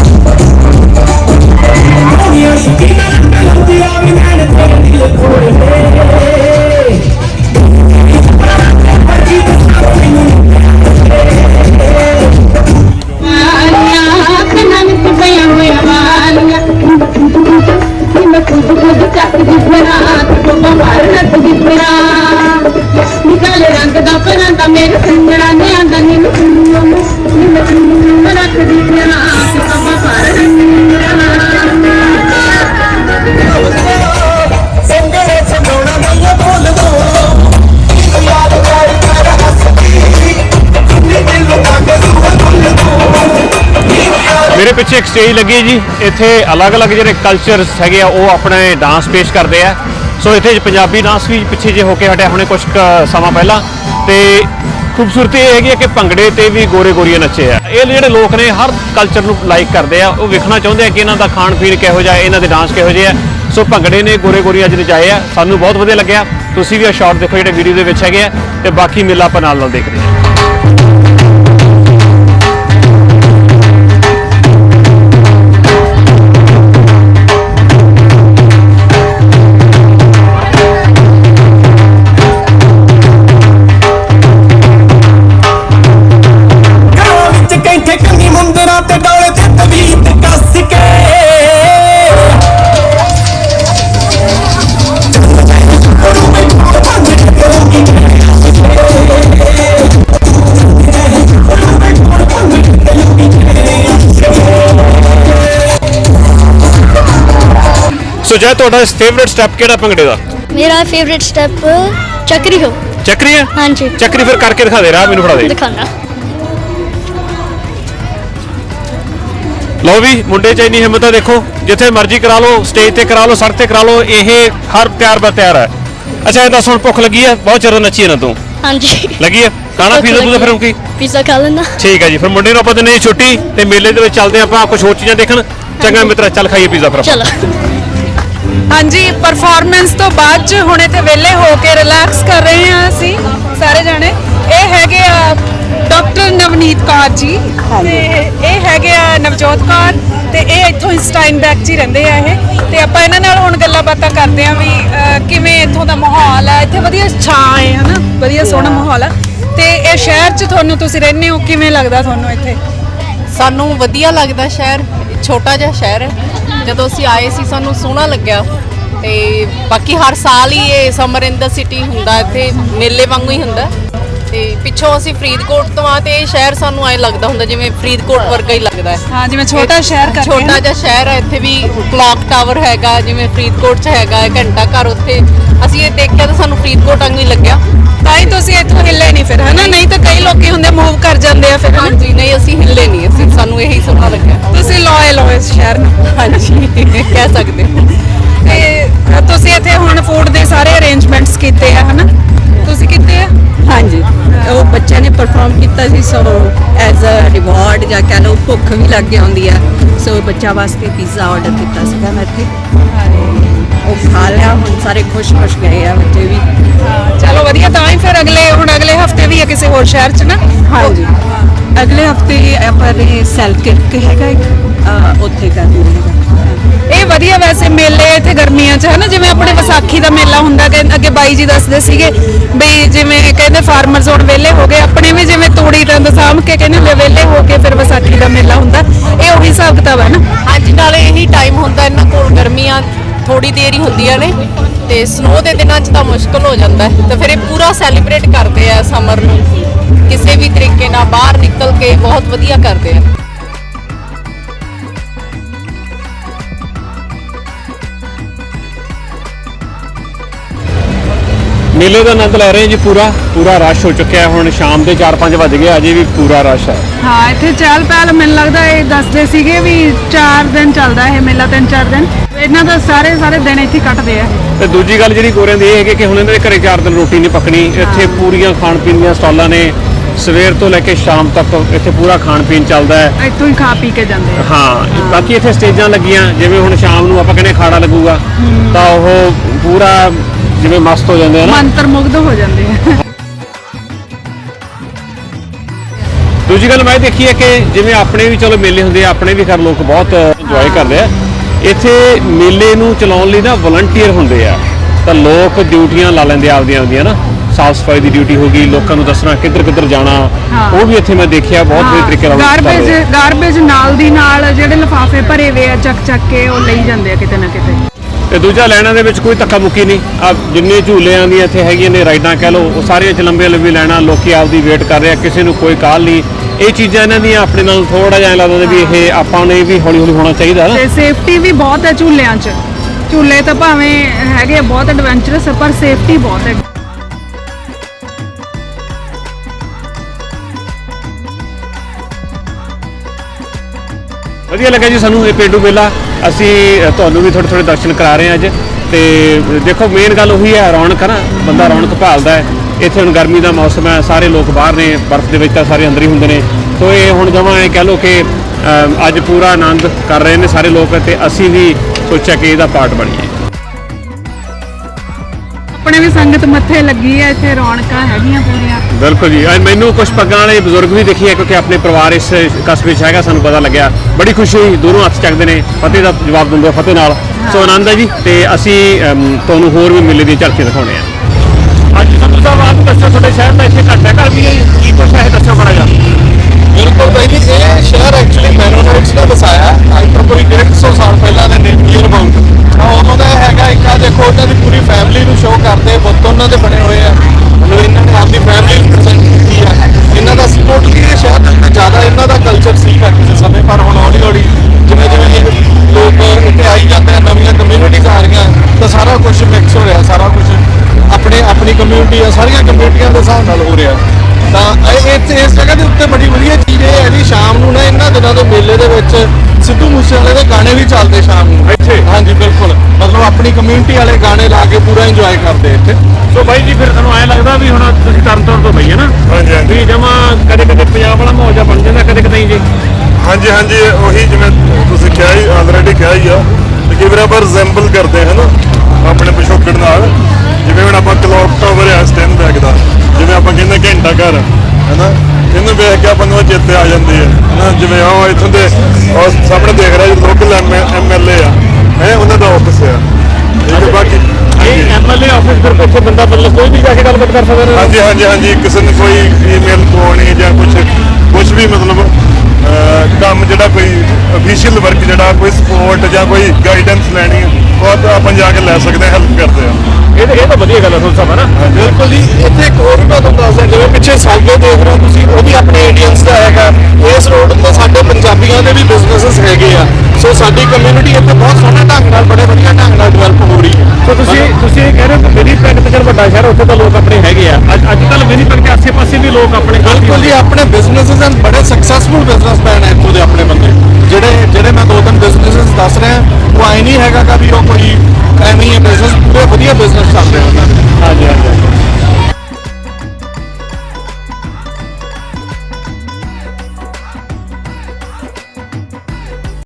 रंग दा परांदा मेरे संगड़ा ने आंदा नी रख दी मेरा बाबा पार संगड़े संगड़ा मैया बोल
ਪਿੱਛੇ ਇੱਕ ਸਟੇਜ ਲੱਗੀ ਜੀ, ਇੱਥੇ ਅਲੱਗ-ਅਲੱਗ ਜਿਹੜੇ ਕਲਚਰਸ ਹੈਗੇ ਆ ਉਹ ਆਪਣੇ ਡਾਂਸ ਪੇਸ਼ ਕਰਦੇ ਆ। ਸੋ ਇੱਥੇ ਪੰਜਾਬੀ ਡਾਂਸ ਵੀ ਪਿੱਛੇ ਜੇ ਹੋ ਕੇ ਹਟਿਆ ਹੁਣੇ ਕੁਝ ਸਮਾਂ ਪਹਿਲਾਂ। ਤੇ ਖੂਬਸੂਰਤੀ ਇਹ ਹੈਗੀ ਹੈ ਕਿ ਭੰਗੜੇ ਤੇ ਵੀ ਗੋਰੇ ਗੋਰੀਆਂ ਨੱਚੇ ਆ। ਇਹ ਜਿਹੜੇ ਲੋਕ ਨੇ ਹਰ ਕਲਚਰ ਨੂੰ ਲਾਈਕ ਕਰਦੇ ਆ, ਉਹ ਵੇਖਣਾ ਚਾਹੁੰਦੇ ਆ ਕਿ ਇਹਨਾਂ ਦਾ ਖਾਣ ਪੀਣ ਕਿਹੋ ਜਿਹਾ, ਇਹਨਾਂ ਦੇ ਡਾਂਸ ਕਿਹੋ ਜਿਹੇ ਆ। ਸੋ ਭੰਗੜੇ ਨੇ ਗੋਰੇ ਗੋਰੀਆਂ ਅੱਜ ਨਚਾਏ ਆ, ਸਾਨੂੰ ਬਹੁਤ ਵਧੀਆ ਲੱਗਿਆ। ਤੁਸੀਂ ਵੀ ਇਹ ਸ਼ਾਟ ਦੇਖੋ ਜਿਹੜੇ ਵੀਡੀਓ ਦੇ ਵਿੱਚ ਹੈਗੇ ਆ, ਤੇ ਬਾਕੀ ਮੇਲਾ ਆਪਾਂ ਨਾਲ ਦੇਖਦੇ ਹਾਂ। ਸੋ ਜੈ ਤੁਹਾਡਾ ਫੇਵਰਿਟ ਸਟੈਪ ਕਿਹੜਾ ਭੰਗੜੇ ਦਾ?
मेरा फेवरेट स्टेप चक्री हो।
ਚੱਕਰੀ ਹੈ?
हाँ जी
ਚੱਕਰੀ ਫਿਰ ਕਰਕੇ ਦਿਖਾ ਦੇ, ਰਾਹ ਮੈਨੂੰ ਫੜਾ ਦੇ।
दिखाना।
ਲਓ ਵੀ ਮੁੰਡੇ ਚ ਇੰਨੀ ਹਿੰਮਤ ਆ, ਦੇਖੋ ਜਿੱਥੇ ਮਰਜ਼ੀ ਕਰਾ ਲਓ, ਸਟੇਜ ਤੇ ਕਰਾ ਲਓ, ਸੜਕ ਤੇ ਕਰਾ ਲਓ, ਇਹ ਹਰ ਤਿਆਰ ਬਰ ਤਿਆਰ ਹੈ। ਅੱਛਾ ਇਹ ਦੱਸ ਹੁਣ ਭੁੱਖ ਲੱਗੀ ਹੈ? ਬਹੁਤ ਚਿਰ ਨੱਚੀ ਹੈ ਨਾ ਤੂੰ?
हाँ जी
ਲੱਗੀ ਹੈ? ਖਾਣਾ ਪੀਣਾ ਤੂੰ ਤਾਂ ਫਿਰ ਕੀ?
पिज्जा खा लेना।
ਠੀਕ ਹੈ ਜੀ, ਫਿਰ ਮੁੰਡੇ ਨੂੰ ਆਪਾਂ ਦਿੰਦੇ ਛੁੱਟੀ ਤੇ ਮੇਲੇ ਦੇ ਵਿੱਚ ਚੱਲਦੇ ਆਪਾਂ ਕੁਝ ਹੋਰ ਚੀਜ਼ਾਂ ਦੇਖਣ। ਚੰਗਾ ਮਿੱਤਰਾ, ਚੱਲ ਖਾਈਏ ਪੀਜ਼ਾ ਫਿਰ ਆਪਾਂ।
चलो
ਹਾਂਜੀ, ਪਰਫਾਰਮੈਂਸ ਤੋਂ ਬਾਅਦ ਚ ਹੁਣੇ ਤੇ ਵਿਹਲੇ ਹੋ ਕੇ ਰਿਲੈਕਸ ਕਰ ਰਹੇ ਹਾਂ ਅਸੀਂ ਸਾਰੇ ਜਾਣੇ। ਇਹ ਹੈਗੇ ਆ ਡਾਕਟਰ ਨਵਨੀਤ ਕੌਰ ਜੀ, ਤੇ ਇਹ ਹੈਗੇ ਆ ਨਵਜੋਤ ਕੌਰ, ਤੇ ਇਹ ਇੱਥੋਂ ਸਟਾਈਨਬੈਕ 'ਚ ਹੀ ਰਹਿੰਦੇ ਆ ਇਹ। ਤੇ ਆਪਾਂ ਇਹਨਾਂ ਨਾਲ ਹੁਣ ਗੱਲਾਂ ਬਾਤਾਂ ਕਰਦੇ ਆ ਵੀ ਕਿਵੇਂ ਇੱਥੋਂ ਦਾ ਮਾਹੌਲ ਆ। ਇੱਥੇ ਵਧੀਆ ਛਾਂ ਹੈ ਹਨਾ, ਵਧੀਆ ਸੋਹਣਾ ਮਾਹੌਲ ਆ। ਤੇ ਇਹ ਸ਼ਹਿਰ 'ਚ ਤੁਹਾਨੂੰ, ਤੁਸੀਂ ਰਹਿੰਦੇ ਹੋ, ਕਿਵੇਂ ਲੱਗਦਾ ਤੁਹਾਨੂੰ ਇੱਥੇ?
ਸਾਨੂੰ ਵਧੀਆ ਲੱਗਦਾ ਸ਼ਹਿਰ, ਛੋਟਾ ਜਿਹਾ ਸ਼ਹਿਰ ਹੈ। ਜਦੋਂ ਅਸੀਂ ਆਏ ਸੀ ਸਾਨੂੰ ਸੋਹਣਾ ਲੱਗਿਆ। ਤੇ ਬਾਕੀ ਹਰ ਸਾਲ ਹੀ ਇਹ ਸਮਰ ਇਨ ਦਾ ਸਿਟੀ ਹੁੰਦਾ, ਇੱਥੇ ਮੇਲੇ ਵਾਂਗੂ ਹੀ ਹੁੰਦਾ। ਤੇ ਪਿੱਛੋਂ ਅਸੀਂ ਫਰੀਦਕੋਟ ਤੋਂ ਆ, ਤੇ ਇਹ ਸ਼ਹਿਰ ਸਾਨੂੰ ਐਂ ਲੱਗਦਾ ਹੁੰਦਾ ਜਿਵੇਂ ਫਰੀਦਕੋਟ ਵਰਗਾ ਹੀ ਲੱਗਦਾ ਹੈ।
ਹਾਂ, ਜਿਵੇਂ ਛੋਟਾ ਸ਼ਹਿਰ ਕਰਕੇ
ਛੋਟਾ ਜਿਹਾ ਸ਼ਹਿਰ ਹੈ। ਇੱਥੇ ਵੀ ਕਲੌਕ ਟਾਵਰ ਹੈਗਾ, ਜਿਵੇਂ ਫਰੀਦਕੋਟ 'ਚ ਹੈਗਾ ਹੈ ਘੰਟਾ ਘਰ। ਉੱਥੇ ਅਸੀਂ ਇਹ ਦੇਖਿਆ ਤਾਂ ਸਾਨੂੰ ਫਰੀਦਕੋਟ ਵਾਂਗੂ ਹੀ ਲੱਗਿਆ।
ਤਾਂ ਹੀ ਤੁਸੀਂ ਇੱਥੋਂ ਹਿੱਲੇ ਨਹੀਂ ਫਿਰ, ਹਨਾ? ਨਹੀਂ ਤਾਂ ਕਈ ਲੋਕੀ ਹੁੰਦੇ ਮੂਵ ਕਰ ਜਾਂਦੇ ਆ ਫਿਰ।
ਹਾਂਜੀ, ਨਹੀਂ ਅਸੀਂ ਹਿੱਲੇ ਨਹੀਂ, ਅਸੀਂ ਸਾਨੂੰ ਇਹੀ ਸੋਹਣਾ ਲੱਗਿਆ।
ਤੁਸੀਂ ਲਾਇਲ ਹੋ ਇਸ ਸ਼ਹਿਰ ਨੂੰ।
ਹਾਂਜੀ ਕਹਿ ਸਕਦੇ ਹੋ।
ਤੇ ਤੁਸੀਂ ਇੱਥੇ ਹੁਣ ਫੂਡ ਦੇ ਸਾਰੇ ਅਰੇਂਜਮੈਂਟਸ ਕੀਤੇ ਆ, ਹਨਾ? ਤੁਸੀਂ ਕੀਤੇ ਆ?
ਹਾਂਜੀ, ਉਹ ਬੱਚਿਆਂ ਨੇ ਪਰਫਾਰਮ ਕੀਤਾ ਸੀ, ਸੋ ਐਜ਼ ਅ ਰਿਵਾਰਡ ਜਾਂ ਕਹਿ ਲਓ ਭੁੱਖ ਵੀ ਲੱਗ ਗਈ ਹੁੰਦੀ ਆ, ਸੋ ਬੱਚਾ ਵਾਸਤੇ ਪੀਜ਼ਾ ਆਰਡਰ ਕੀਤਾ ਸੀਗਾ ਮੈਂ ਇੱਥੇ। ਉਹ ਖਾ ਲਿਆ, ਹੁਣ ਸਾਰੇ ਖੁਸ਼ ਗਏ ਆ ਬੱਚੇ ਵੀ।
ਚਲੋ ਵਧੀਆ। ਤਾਂ ਹੀ ਫਿਰ ਅਗਲੇ ਹਫਤੇ ਵੀ ਆ ਕਿਸੇ ਹੋਰ ਸ਼ਹਿਰ 'ਚ ਨਾ?
ਹਾਂਜੀ, ਅਗਲੇ ਹਫਤੇ ਆਪਾਂ ਸੈਲਫ ਕਿਟ ਹੈਗਾ ਇੱਕ, ਉੱਥੇ ਕਰਨੀ ਹੈਗਾ।
ਇਹ ਵਧੀਆ ਵੈਸੇ ਮੇਲੇ ਇੱਥੇ ਗਰਮੀਆਂ 'ਚ, ਹਨਾ? ਜਿਵੇਂ ਆਪਣੇ ਵਿਸਾਖੀ ਦਾ ਮੇਲਾ ਹੁੰਦਾ, ਕਿ ਅੱਗੇ ਬਾਈ ਜੀ ਦੱਸਦੇ ਸੀਗੇ ਵੀ ਜਿਵੇਂ ਕਹਿੰਦੇ ਫਾਰਮਰਸ ਹੁਣ ਵਿਹਲੇ ਹੋ ਗਏ, ਆਪਣੇ ਵੀ ਜਿਵੇਂ ਤੂੜੀ ਤੰਦ ਸਾਂਭ ਕੇ ਕਹਿੰਦੇ ਵਿਹਲੇ ਹੋ ਕੇ ਫਿਰ ਵਿਸਾਖੀ ਦਾ ਮੇਲਾ ਹੁੰਦਾ। ਇਹ ਉਹੀ ਹਿਸਾਬ ਕਿਤਾਬ ਹੈ ਨਾ?
ਹਾਂਜੀ, ਨਾਲੇ ਇਹੀ ਟਾਈਮ ਹੁੰਦਾ ਇਹਨਾਂ ਕੋਲ, ਗਰਮੀਆਂ ਥੋੜੀ ਦੇਰ ਹੀ ਹੁੰਦੀਆਂ ਨੇ, ਤੇ ਸਨੋ ਦੇ ਦਿਨਾਂ 'ਚ ਤਾਂ ਮੁਸ਼ਕਲ ਹੋ ਜਾਂਦਾ ਹੈ। ਤਾਂ ਫਿਰ ਇਹ ਪੂਰਾ ਸੈਲੀਬ੍ਰੇਟ ਕਰਦੇ ਆ ਸਮਰ ਨੂੰ, ਕਿਸੇ ਵੀ ਤਰੀਕੇ ਨਾਲ ਬਾਹਰ ਨਿਕਲ ਕੇ ਬਹੁਤ ਵਧੀਆ ਕਰਦੇ ਆ।
ਮੇਲੇ ਦਾ ਆਨੰਦ ਲੈ ਰਹੇ ਜੀ, ਪੂਰਾ ਰਸ਼ ਹੋ ਚੁੱਕਿਆ ਹੈ। ਹੁਣ ਸ਼ਾਮ ਦੇ 4-5 ਵੱਜ ਗਏ, ਅਜੇ ਵੀ ਪੂਰਾ ਰਸ਼ ਹੈ।
ਹਾਂ, ਇੱਥੇ ਚਹਿਲ ਪਹਿਲ ਮੈਨੂੰ ਲੱਗਦਾ ਇਹ ਦੱਸਦੇ ਸੀਗੇ ਵੀ 4 ਦਿਨ ਚੱਲਦਾ ਇਹ ਮੇਲਾ, 3-4 ਦਿਨ। ਇਹਨਾਂ ਦਾ ਸਾਰੇ ਦਿਨ ਇੱਥੇ ਕੱਟਦੇ ਆ।
ਤੇ ਦੂਜੀ ਗੱਲ ਜਿਹੜੀ ਗੋਰਿਆਂ ਦੀ ਇਹ ਹੈਗੀ ਕਿ ਹੁਣ ਇਹਨਾਂ ਦੇ ਘਰੇ 4 ਦਿਨ ਰੋਟੀ ਨਹੀਂ ਪੱਕਣੀ। ਇੱਥੇ ਪੂਰੀਆਂ ਖਾਣ ਪੀਣ ਦੀਆਂ ਸਟਾਲਾਂ ਨੇ, ਸਵੇਰ ਤੋਂ ਲੈ ਕੇ ਸ਼ਾਮ ਤੱਕ ਇੱਥੇ ਪੂਰਾ ਖਾਣ ਪੀਣ ਚੱਲਦਾ ਹੈ।
ਇੱਥੋਂ ਹੀ ਖਾ ਪੀ ਕੇ ਜਾਂਦੇ ਆ।
ਹਾਂ, ਬਾਕੀ ਇੱਥੇ ਸਟੇਜਾਂ ਲੱਗੀਆਂ, ਜਿਵੇਂ ਹੁਣ ਸ਼ਾਮ ਨੂੰ ਆਪਾਂ ਕਹਿੰਦੇ ਖਾੜਾ ਲੱਗੂਗਾ, ਤਾਂ ਉਹ ਪੂਰਾ ਜਿਵੇਂ ਮਸਤ ਹੋ ਜਾਂਦੇ ਆ ਨਾ,
ਮੰਤਰ ਮੁਗਧ ਹੋ ਜਾਂਦੇ ਆ।
ਦੂਜੀ ਗੱਲ ਮੈਂ ਦੇਖੀ ਹੈ ਕਿ ਜਿਵੇਂ ਆਪਣੇ ਵੀ ਚਲੋ ਮੇਲੇ ਹੁੰਦੇ ਆ, ਆਪਣੇ ਵੀ ਘਰ ਲੋਕ ਬਹੁਤ ਇੰਜੋਏ ਕਰਦੇ ਆ। ਇੱਥੇ ਮੇਲੇ ਨੂੰ ਚਲਾਉਣ ਲਈ ਨਾ ਵਲੰਟੀਅਰ ਹੁੰਦੇ ਆ, ਤਾਂ ਲੋਕ ਡਿਊਟੀਆਂ ਲਾ ਲੈਂਦੇ ਆਪਦੀਆਂ ਨਾ। ਸਾਫ ਸਫਾਈ ਦੀ ਡਿਊਟੀ ਹੋ ਗਈ, ਲੋਕਾਂ ਨੂੰ ਦੱਸਣਾ ਕਿੱਧਰ ਜਾਣਾ, ਉਹ ਵੀ ਇੱਥੇ ਮੈਂ ਦੇਖਿਆ ਬਹੁਤ ਵਧੀਆ ਤਰੀਕੇ ਨਾਲ।
ਗਾਰਬੇਜ ਨਾਲ ਦੀ ਨਾਲ ਜਿਹੜੇ ਲਿਫਾਫੇ ਭਰੇ ਹੋਏ ਆ ਚੱਕ ਕੇ ਉਹ ਲਈ ਜਾਂਦੇ ਆ ਕਿਤੇ ਨਾ ਕਿਤੇ।
ਤੇ ਦੂਜਾ ਲੈਣਾ ਦੇ ਵਿੱਚ ਕੋਈ ਧੱਕਾ ਮੁੱਕੀ ਨਹੀਂ। ਆ ਜਿੰਨੇ ਝੂਲਿਆਂ ਦੀਆਂ ਇੱਥੇ ਹੈਗੀਆਂ ਨੇ, ਰਾਈਡਾਂ ਕਹਿ ਲਓ, ਉਹ ਸਾਰੀਆਂ 'ਚ ਲੰਬੇ ਲੈਣਾ, ਲੋਕੀ ਆਪਦੀ ਵੇਟ ਕਰ ਰਹੇ ਆ, ਕਿਸੇ ਨੂੰ ਕੋਈ ਕਾਹਲ ਨਹੀਂ। ਇਹ ਚੀਜ਼ਾਂ ਇਹਨਾਂ ਦੀਆਂ ਆਪਣੇ ਨਾਲ ਥੋੜਾ ਜਿਹਾ ਲੱਗਦਾ ਵੀ ਇਹ ਆਪਾਂ ਨੇ ਵੀ ਹੌਲੀ ਹੋਣਾ ਚਾਹੀਦਾ ਨਾ।
ਤੇ ਸੇਫਟੀ ਵੀ ਬਹੁਤ ਹੈ ਝੂਲਿਆਂ 'ਚ। ਝੂਲੇ ਤਾਂ ਭਾਵੇਂ ਹੈਗੇ ਬਹੁਤ ਐਡਵੈਂਚਰਸ, ਪਰ ਸੇਫਟੀ ਬਹੁਤ ਹੈ।
ਵਧੀਆ ਲੱਗਾ ਜੀ ਸਾਨੂੰ ਇਹ ਪੇਂਡੂ ਮੇਲਾ। ਅਸੀਂ ਤੁਹਾਨੂੰ ਵੀ ਥੋੜ੍ਹੇ ਦਰਸ਼ਨ ਕਰਾ ਰਹੇ ਹਾਂ ਅੱਜ। ਤੇ ਦੇਖੋ ਮੇਨ ਗੱਲ ਉਹੀ ਹੈ, ਰੌਣਕ ਹੈ ਨਾ, ਬੰਦਾ ਰੌਣਕ ਭਾਲਦਾ ਹੈ। ਇੱਥੇ ਹੁਣ ਗਰਮੀ ਦਾ ਮੌਸਮ ਹੈ, ਸਾਰੇ ਲੋਕ ਬਾਹਰ ਨੇ, ਬਰਫ਼ ਦੇ ਵਿੱਚ ਤਾਂ ਸਾਰੇ ਅੰਦਰ ਹੀ ਹੁੰਦੇ ਨੇ। ਸੋ ਇਹ ਹੁਣ ਜਮਾਂ ਇਹ ਕਹਿ ਲਓ ਕਿ ਅੱਜ ਪੂਰਾ ਆਨੰਦ ਕਰ ਰਹੇ ਨੇ ਸਾਰੇ ਲੋਕ, ਤੇ ਅਸੀਂ ਵੀ ਸੋਚਿਆ ਕਿ ਇਹਦਾ ਪਾਰਟ ਬਣੀਏ।
ਆਪਣੇ ਵੀ ਸੰਗਤ ਮੱਥੇ ਲੱਗੀ ਹੈ, ਇੱਥੇ ਰੌਣਕਾਂ ਹੈਗੀਆਂ ਪੂਰੀਆਂ।
ਬਿਲਕੁਲ ਜੀ, ਅੱਜ ਮੈਨੂੰ ਕੁਝ ਪੱਗਾਂ ਵਾਲੇ ਬਜ਼ੁਰਗ ਵੀ ਦੇਖੇ ਹੈ, ਕਿਉਂਕਿ ਆਪਣੇ ਪਰਿਵਾਰ ਇਸ ਕਸਬੇ 'ਚ ਹੈਗਾ, ਸਾਨੂੰ ਪਤਾ ਲੱਗਿਆ। ਬੜੀ ਖੁਸ਼ੀ ਹੋਈ, ਦੂਰੋਂ ਹੱਥ ਚੱਕਦੇ ਨੇ, ਫਤਿਹ ਦਾ ਜਵਾਬ ਦਿੰਦੇ ਫਤਿਹ ਨਾਲ। ਸੋ ਆਨੰਦ ਹੈ ਜੀ। ਤੇ ਅਸੀਂ ਤੁਹਾਨੂੰ ਹੋਰ ਵੀ ਮੇਲੇ ਦੀ ਝਲਕੀ ਦਿਖਾਉਣੇ ਆ। ਅੱਜ ਸੰਧੂ ਸਾਹਿਬ ਆਪ ਦੱਸੋ, ਤੁਹਾਡੇ ਸ਼ਹਿਰ ਦਾ ਇੱਥੇ ਘੱਟ ਹੈ ਘਰ ਵੀ ਕੀ ਕੁਛ ਹੈ, ਦੱਸੋ ਬੜਾ ਜਿਹਾ।
ਬਿਲਕੁਲ ਬਾਈ ਜੀ, ਇਹ ਸ਼ਹਿਰ ਐਕਚੁਅਲੀ ਮੈਨੋਨਾਈਟਸ ਨੇ ਵਸਾਇਆ ਅੱਜ ਤੋਂ ਕੋਈ 150 ਸਾਲ ਪਹਿਲਾਂ ਦੇ ਨੀਅਰ ਅਬਾਊਟ। ਉਦੋਂ ਦਾ ਹੈਗਾ ਇੱਕ ਆ ਦੇਖੋ, ਉਹਨਾਂ ਦੀ ਪੂਰੀ ਫੈਮਿਲੀ ਨੂੰ ਸ਼ੋਅ ਕਰਦੇ, ਬੁੱਤ ਉਹਨਾਂ ਦੇ ਬਣੇ ਹੋਏ ਆ, ਮਤਲਬ ਇਹਨਾਂ ਨੇ ਆਪਣੀ ਫੈਮਿਲੀ ਰਿਪਰੈਜ਼ੈਂਟ ਕੀਤੀ ਆ। ਇਹਨਾਂ ਦਾ ਸਪੋਰਟ ਕੀ ਇਹ ਸ਼ਹਿਰ ਦੇ ਜ਼ਿਆਦਾ ਇਹਨਾਂ ਦਾ ਕਲਚਰ ਸੀਗਾ ਕਿਸੇ ਸਮੇਂ, ਪਰ ਹੁਣ ਹੌਲੀ ਹੌਲੀ ਜਿਵੇਂ ਜਿਵੇਂ ਲੋਕ ਇੱਥੇ ਆਈ ਜਾਂਦੇ ਆ, ਨਵੀਆਂ ਕਮਿਊਨਿਟੀਜ਼ ਆ ਰਹੀਆਂ, ਤਾਂ ਸਾਰਾ ਕੁਝ ਮਿਕਸ ਹੋ ਰਿਹਾ, ਸਾਰਾ ਕੁਝ ਆਪਣੀ ਕਮਿਊਨਿਟੀ ਆ, ਸਾਰੀਆਂ ਕਮਿਊਨਿਟੀਆਂ ਦੇ ਹਿਸਾਬ ਨਾਲ ਹੋ ਰਿਹਾ। ਤਾਂ ਇਸ ਜਗ੍ਹਾ ਦੇ ਉੱਤੇ ਬੜੀ ਵਧੀਆ ਚੀਜ਼ ਇਹ ਹੈ ਜੀ, ਸ਼ਾਮ ਨੂੰ ਨਾ ਇਹਨਾਂ ਦਿਨਾਂ ਦੇ ਮੇਲੇ ਦੇ ਵਿੱਚ ਸਿੱਧੂ ਮੂਸੇਵਾਲੇ ਦੇ ਗਾਣੇ ਵੀ ਚੱਲਦੇ ਸ਼ਾਮ ਨੂੰ
ਇੱਥੇ।
ਹਾਂਜੀ ਬਿਲਕੁਲ, ਮਤਲਬ ਆਪਣੀ ਕਮਿਊਨਿਟੀ ਵਾਲੇ ਗਾਣੇ ਲਾ ਕੇ ਪੂਰਾ ਇੰਜੋਏ ਕਰਦੇ ਇੱਥੇ।
ਸੋ ਬਾਈ ਜੀ ਫਿਰ ਤੁਹਾਨੂੰ ਐਂ ਲੱਗਦਾ ਵੀ ਹੁਣ ਤੁਸੀਂ ਤਰਨਤਾਰਨ ਤੋਂ ਬਈ ਹੈ ਨਾ, ਵੀ ਜਮਾ ਕਦੇ ਕਦੇ ਪੰਜਾਬ ਵਾਲਾ ਮਾਹੌਲ ਜਿਹਾ ਬਣ ਜਾਂਦਾ, ਕਦੇ ਕਦੇ ਜੀ।
ਹਾਂਜੀ ਹਾਂਜੀ, ਉਹੀ ਜਿਵੇਂ ਤੁਸੀਂ ਕਿਹਾ ਹੀ ਆਲਰੇਡੀ ਕਿਹਾ ਹੀ ਆ, ਤੇ ਕਈ ਵਾਰ ਆਪਾਂ ਰਿਜ਼ੈਂਬਲ ਕਰਦੇ ਹਾਂ ਨਾ ਆਪਣੇ ਪਿਛੋਕੜ ਨਾਲ। ਜਿਵੇਂ ਹੁਣ ਆਪਾਂ ਕਲੌਕ ਟਾਵਰ ਆ ਸਟੈਨਬੈਗ ਦਾ, ਜਿਵੇਂ ਆਪਾਂ ਕਹਿੰਦੇ ਘੰਟਾ ਘਰ ਹੈ ਨਾ, ਇਹਨੂੰ ਵੇਖ ਕੇ ਆਪਾਂ ਨੂੰ ਚੇਤੇ ਆ ਜਾਂਦੀ ਹੈ ਨਾ। ਜਿਵੇਂ ਉਹ ਇੱਥੋਂ ਦੇ ਸਾਹਮਣੇ ਦੇਖ ਰਿਹਾ ਜੀ, ਲੋਕਲ ਐਮਐਲਏ ਆ, ਉਹਨਾਂ ਦਾ ਆਫਿਸ ਆ। ਇਹ ਬਾਕੀ
ਇਹ ਐਮਐਲਏ ਆਫਿਸ ਫਿਰ ਇੱਥੇ ਬੰਦਾ ਮਤਲਬ ਕੋਈ ਵੀ ਜਾ ਕੇ ਗੱਲਬਾਤ ਕਰ ਸਕਦਾ।
ਹਾਂਜੀ ਹਾਂਜੀ ਹਾਂਜੀ, ਕਿਸੇ ਨੇ ਕੋਈ ਈਮੇਲ ਪਾਉਣੀ ਜਾਂ ਕੁਝ ਵੀ ਮਤਲਬ ਕੰਮ ਜਿਹੜਾ ਕੋਈ ਅਫੀਸ਼ੀਅਲ ਵਰਕ ਜਿਹੜਾ ਕੋਈ ਸਪੋਰਟ ਜਾਂ ਕੋਈ ਗਾਈਡੈਂਸ ਲੈਣੀ, ਉਹ ਆਪਾਂ ਜਾ ਕੇ ਲੈ ਸਕਦੇ ਹਾਂ, ਹੈਲਪ ਕਰਦੇ ਆ।
ਇਹ ਤਾਂ ਵਧੀਆ ਗੱਲ ਹੈ ਤੁਹਾਨੂੰ ਸਭ ਹੈ ਨਾ।
ਬਿਲਕੁਲ ਜੀ। ਇੱਥੇ ਇੱਕ ਹੋਰ ਵੀ ਮੈਂ ਤੁਹਾਨੂੰ ਦੱਸਦਾ, ਜਿਵੇਂ ਪਿੱਛੇ ਸਾਗੇ ਦੇਖ ਰਹੇ ਹੋ ਤੁਸੀਂ, ਉਹ ਵੀ ਆਪਣੇ ਇੰਡੀਅਨਸ ਦਾ ਹੈਗਾ। ਇਸ ਰੋਡ ਤੇ ਸਾਡੇ ਪੰਜਾਬੀਆਂ ਦੇ ਵੀ ਬਿਜ਼ਨੈਸਸ ਹੈਗੇ ਆ। ਸੋ ਸਾਡੀ ਕਮਿਊਨਿਟੀ ਇੱਥੇ ਬਹੁਤ ਸੋਹਣੇ ਢੰਗ ਨਾਲ, ਬੜੇ ਵਧੀਆ ਢੰਗ ਨਾਲ ਡਿਵੈਲਪ ਹੋ ਰਹੀ ਹੈ।
ਸੋ ਤੁਸੀਂ ਇਹ ਕਹਿ ਰਹੇ ਹੋ ਕਿ ਵਿਨੀਪੈਗ ਤੇ ਚਲ ਵੱਡਾ ਸ਼ਹਿਰ, ਉੱਥੇ ਤਾਂ ਲੋਕ ਆਪਣੇ ਹੈਗੇ ਆ। ਅੱਜ ਕੱਲ੍ਹ ਵਿਨੀਪੈਗ ਦੇ ਆਸੇ-ਪਾਸੇ ਵੀ ਲੋਕ ਆਪਣੇ
ਬਿਲਕੁਲ ਜੀ, ਆਪਣੇ ਬਿਜ਼ਨੈਸਸ ਹਨ, ਬੜੇ ਸਕਸੈਸਫੁਲ ਬਿਜ਼ਨਸਮੈਨ ਹੈ ਇੱਥੋਂ ਦੇ ਆਪਣੇ ਬੰਦੇ, ਜਿਹੜੇ ਮੈਂ 2-3 ਬਿਜ਼ਨੈਸਸ ਦੱਸ ਰਿਹਾ। ਉਹ ਆਈ ਨਹੀਂ ਹੈਗਾ ਕਿ ਵੀ ਉਹ ਕੋਈ ਐਵੇਂ ਹੀ ਬਿਜ਼ਨਸ, ਪੂਰੇ ਵਧੀਆ ਬਿਜ਼ਨਸ ਚੱਲ ਰਹੇ ਉਹਨਾਂ ਦੇ।
ਹਾਂਜੀ ਹਾਂਜੀ।